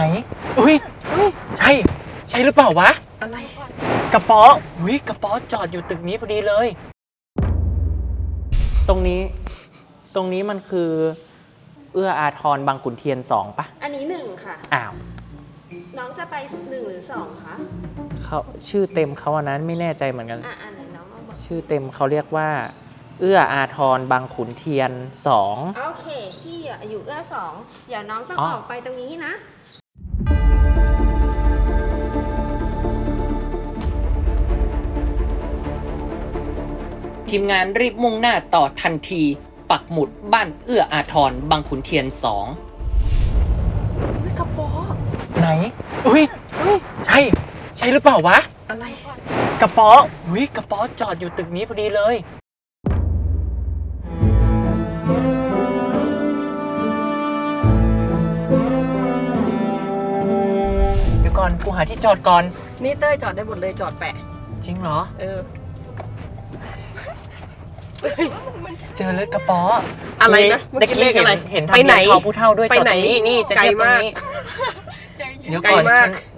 อุ้ยใช่หรือเปล่าวะอะไรกระป๋ออุ้ยกระป๋อจอดอยู่ตึกนี้พอดีเลยตรงนี้มันคือเอื้ออาทรบางขุนเทียน2ปะอันนี้1ค่ะอ้าวน้องจะไป1หรือ2คะเขาชื่อเต็มเขาอันนั้นไม่แน่ใจเหมือนกันอันไหนน้องบอกชื่อเต็มเขาเรียกว่าเอื้ออาทรบางขุนเทียน2 โอเคพี่อยู่เอื้อ2เดี๋ยวน้องต้องออกไปตรงนี้นะทีมงานรีบมุ่งหน้าต่อทันทีปักหมุดบ้านเอื้ออาทรบางขุนเทียน2 กระป๋อไหนอุ้ยใช่หรือเปล่าวะอะไรกระป๋ออุ้ยกระป๋อจอดอยู่ตึกนี้พอดีเลยเดี๋ยวก่อนกูหาที่จอดก่อนนี่เต้ยจอดได้หมดเลยจอดแปะจริงเหรอเจอเลยกระป๋ออะไรนะตะกี้เห็นทะเบียนทอผู้เท่าด้วยจอดตรงนี้นี่จะเทียบตรงนี้เดี๋ยวก่อน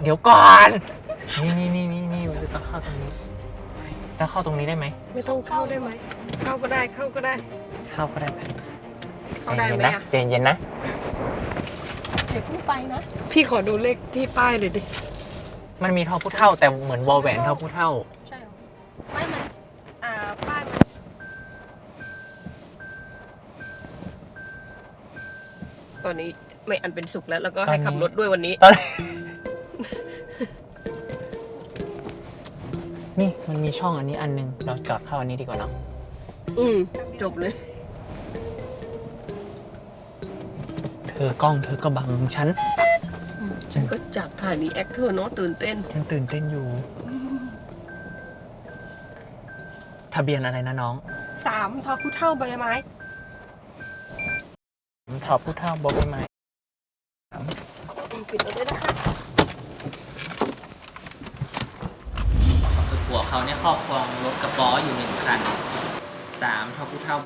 นี่ต้องเข้าตรงนี้ต้องเข้าตรงนี้ได้ไหมไม่ต้องเข้าได้ไหมเข้าก็ได้เข้าก็ได้ไหมใจเย็นนะเดี๋ยวพูดไปนะพี่ขอดูเลขที่ป้ายหน่อยดิมันมีทอผู้เท่าแต่เหมือนวอลแหวนทอผู้เท่าใช่ไม่มันป้ายมันตอนนี้ไม่อันเป็นสุขแล้วก็ให้ขับรถด้วยวันนี้นี่มันมีช่องอันนี้อันนึงเราจอดเข้าอันนี้ดีกว่าเนาะจบเลยเธอกล้องเธอก็บังฉันก็จับถ่ายรีแอคเธอเนาะตื่นเต้นฉันตื่นเต้นอยู่ทะเบียนอะไรนะน้อง 3ทอผู้เท่าใบไม้ทอผู้เท่าใบไม้ปิดรถด้วยนะคะผัวเขาเนี่ยครอบครองรถกระป๋ออยู่1 คัน3ทอผู้เท่า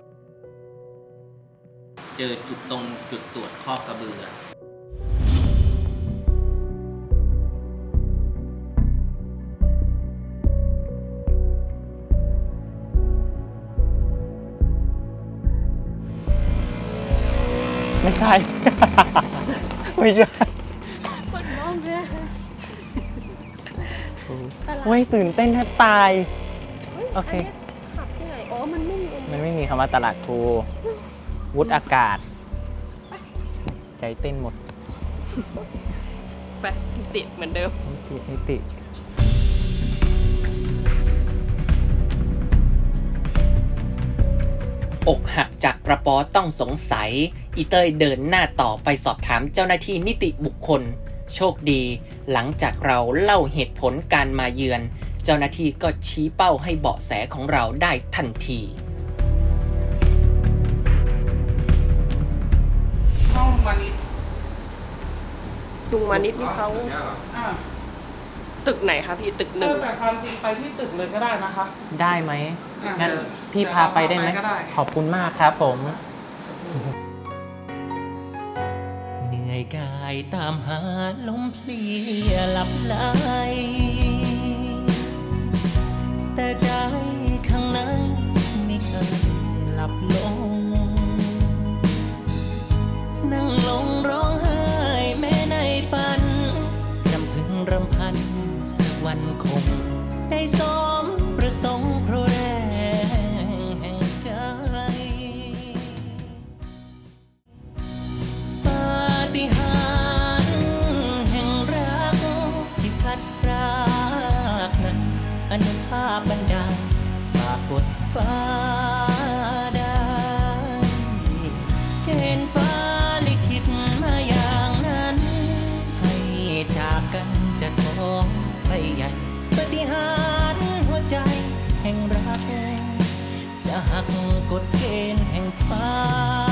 เจอจุดตรวจคอกกระเบือไม่ใช่คนน้องเนี่ยไม่ตื่นเต้นแทบตายโอเคขับที่ไหนมันไม่มีคำว่าตลาดครูวุฒิอากาศใจเต้นหมดไปติดเหมือนเดิมนิติอกหักจากกระป๋อต้องสงสัยอีเต้ยเดินหน้าต่อไปสอบถามเจ้าหน้าที่นิติบุคคลโชคดีหลังจากเราเล่าเหตุผลการมาเยือนเจ้าหน้าที่ก็ชี้เป้าให้เบาะแสของเราได้ทันทีห้องมานิดลุงมานิดนี่เขาตึกไหนคะพี่ตึก1 แต่ความจริงไปที่ตึกเลยก็ได้นะคะได้ไหมงั้นพี่พาไปได้ไหมขอบคุณมากครับผมเหนื่อยกายตามหาลมเพลียหลับไหลแต่ใจข้างในไม่เคยหลับลงนั่งลงร้องไห้แม้ในฝันรำพึงรำพันสักวันคงได้สมประสงค์เพราะแรงแห่งใจปาฏิหาริย์แห่งรักที่พัดพรากนั้นอนุภาพบันดาลฝากกดฟ้าได้เกณฑ์ฟ้าลิขิตมาอย่างนั้นให้จากกันจะท้องไปใหญ่ปาฏิหาริย์หัวใจแห่งรักจะหักกฎเกณฑ์แห่งฟ้า